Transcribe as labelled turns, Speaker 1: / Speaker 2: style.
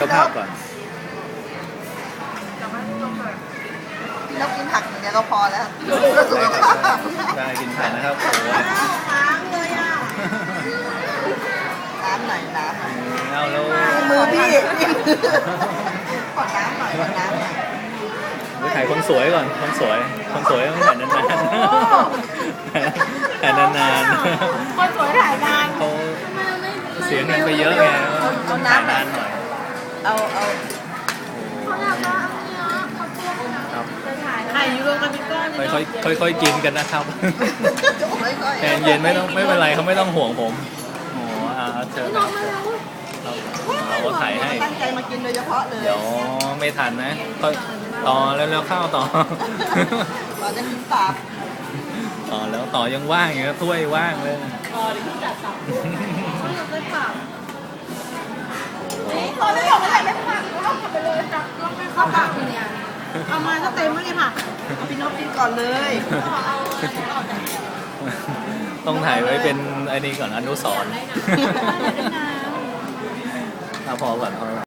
Speaker 1: ก็ภาพก่อน
Speaker 2: พี่นกกินผักอย่างเดียวก็พอแล้ว
Speaker 1: ได้กินผักนะครับโอ้โห
Speaker 2: ค้างเลยอ่ะน้ำหน่อยน้ำหน่อย
Speaker 1: เอาแล้ว
Speaker 2: มือพี่ขอน้ำหน่อยขอน้ำหน่อย
Speaker 1: ไปถ่ายคนสวยก่อนคนสวยต้องถ่ายนานๆถ่ายนาน
Speaker 3: คนสวยถ่ายนาน
Speaker 1: ๆเขาเสียเงินไปเยอะไงต้องถ่ายนานหน่อย
Speaker 2: เอา
Speaker 3: เขาอยากได้อันเนี้ยเขาตัว
Speaker 1: ครับ
Speaker 3: จะถ่ายไข่ยูโรกันเป็นก้อนเลย
Speaker 1: ค่อยๆกินกันนะครับ
Speaker 2: ค่อยๆ
Speaker 1: แทนเย็นไม่เป็นไรเขาไม่ต้องห่วงผมโอ้เชิญ
Speaker 3: น้องมาแล้ว
Speaker 1: เราก็ถ่ายให้
Speaker 2: ตั้งใจมากินโดยเฉพาะเลย
Speaker 1: เดี๋ยวไม่ทันนะก็ต่อแล้วเข้าต่อ
Speaker 2: เราจะกินปาก
Speaker 1: ต่อแล้วต่อยังว่างอยู่นะถ้วยว่างเลย
Speaker 3: อ๋อเดี๋ยวพี่จัดสับเขาอยากได้ผัก
Speaker 2: ตอนไม่บอกว่าไหนไม่ผัก
Speaker 3: เอากลับไปเลยจับลองให้เข้าปากเนี่ยเอามาก็เต็มแล้วเนี่ยผัก
Speaker 2: พี่นกกินก่อนเลย
Speaker 3: เอาออกจาก
Speaker 1: ต้องถ่ายไว้เป็นไอ้นี่ก่อนอนุสรณ์
Speaker 3: ได้นะได้นะ
Speaker 1: เอาพอก่อน